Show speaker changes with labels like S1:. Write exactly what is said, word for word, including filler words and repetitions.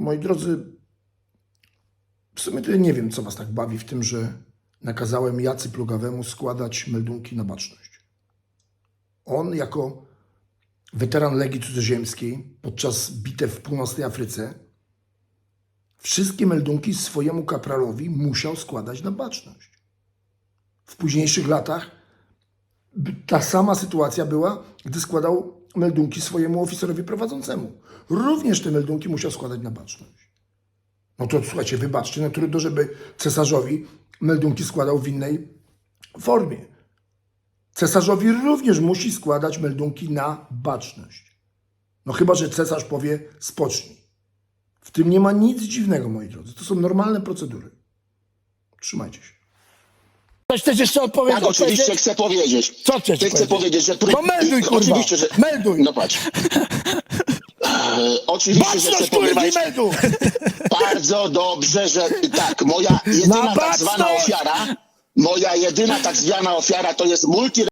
S1: Moi drodzy, w sumie to ja nie wiem, co was tak bawi w tym, że nakazałem Jacy Plugawemu składać meldunki na baczność. On jako weteran Legii Cudzoziemskiej podczas bitew w północnej Afryce wszystkie meldunki swojemu kapralowi musiał składać na baczność. W późniejszych latach ta sama sytuacja była, gdy składał meldunki swojemu oficerowi prowadzącemu. Również te meldunki musiał składać na baczność. No to słuchajcie, wybaczcie, no trudno, żeby cesarzowi meldunki składał w innej formie. Cesarzowi również musi składać meldunki na baczność. No chyba, że cesarz powie spocznij. W tym nie ma nic dziwnego, moi drodzy. To są normalne procedury. Trzymajcie się.
S2: Coś chcesz jeszcze odpowiedzieć?
S3: Tak, oczywiście
S2: Powiedzieć?
S3: chcę powiedzieć.
S2: Co chcesz
S3: Chcę
S2: powiedzieć?
S3: powiedzieć, że...
S2: To melduj, kurwa.
S3: Oczywiście, że...
S2: Melduj.
S3: No patrz. E, oczywiście, że chcę
S2: Baczność, kurwa,
S3: powiedzieć
S2: melduj.
S3: bardzo dobrze, że tak, moja jedyna
S2: Na
S3: tak zwana
S2: baczność!
S3: ofiara, moja jedyna tak zwana ofiara to jest multi